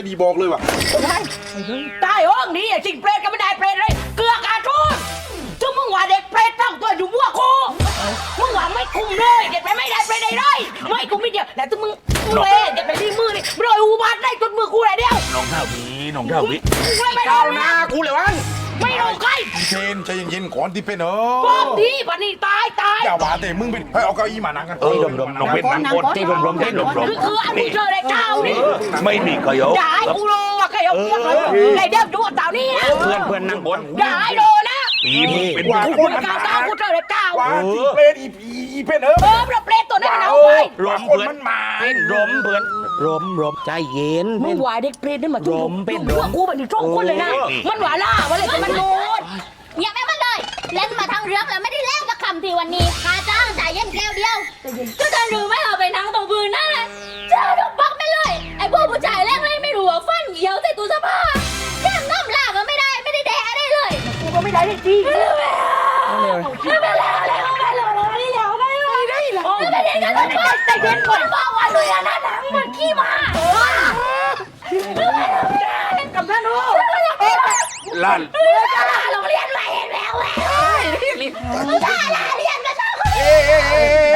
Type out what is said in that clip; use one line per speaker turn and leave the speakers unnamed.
ดีบอกเลยว่ะ
ตายห้องนี้จริงเปรตก็ไม่ได้เปรตเลยเกลือกอาทุนถึงมึงว่าเด็กเปรตตั้งตัวอยู่มั่วกูมึงว่าไม่คุมเลยเด็กเปรตไม่ได้เปรตได้เลยไม่คุมไม่เดียวแต่ถึงมึงเล่เด็กเปรตรีมือนี่รอยอุบัติได้จนมือกูเลยเดียว
น้องเท่าวี
ไม่
ก้า
เอา
วหน้ากูเลยวัน
ไม่เอาใคร
เพนใจเย็นๆก่อนที่เป็น
บอกดีป่ะนี่ตาย
อย่าว่าแต่มึงเป็นให้เอาเก้าอี้มานั่งกัน
รมน้องเป็นนั่งบนที่รม
คืออันกูเจอได้เจ้านี่
ไม่มีใครเอา
อย่าให้กูรู้ว่าใครเอาเพื่อนเลยเดี๋ยวดูเจ้านี่นะ
เพื่อนนั่งบน
อย่าให้ดูนะ
ปีมึงเป็น
ว่า
กูเป็นการตามกูเจอได้เจ้า
ว่าที่เพนอีเพน
เราเปรตตัวนั้นเอาไป
รม
คน
เพื่อน
มันมา
เป็นรมเพื่อนรมใจเย็น
มึงหวายเด็กเปรตนี่มาจุ่ม
เป็น
เพื่อกูเป็นช่องคนเลยนะมันหวาล่าวันเลยมันโดน
อย่าแม่มันเลยเล่นมาทั้งเรื่องแล้วไม่ได้เล่นสักคำทีวันนี้ค่าจ้างจ่ายเย็นแก้วเดียวก็จะรู้ไม่เอาไปนั่งตรงพื้นนั่นแหละเจอทุกบักไม่เลยไอ้พวกผู้ชายแรกเลยไม่รู้ว่าฟันเหี่ยวใส่ตู้เสื้อผ้าแก้มน้ำลาก็ไม่ได้แดะได้เลย
กูก็ไม่ได้จริง
ไม่เป็นไรอะไรก็ไม่เลยไม่เหี่ยวไม่เลยไม่เป็นไรกันทุกคนแต่เย็นคนบอกว่าลุยอันนั้นหนังมันขี้มาก
ำนันโอ้
ลั่น
โรงเรียนใหม่เห็นแล้วจ้าเรียนมาจ้าคน
เอ๊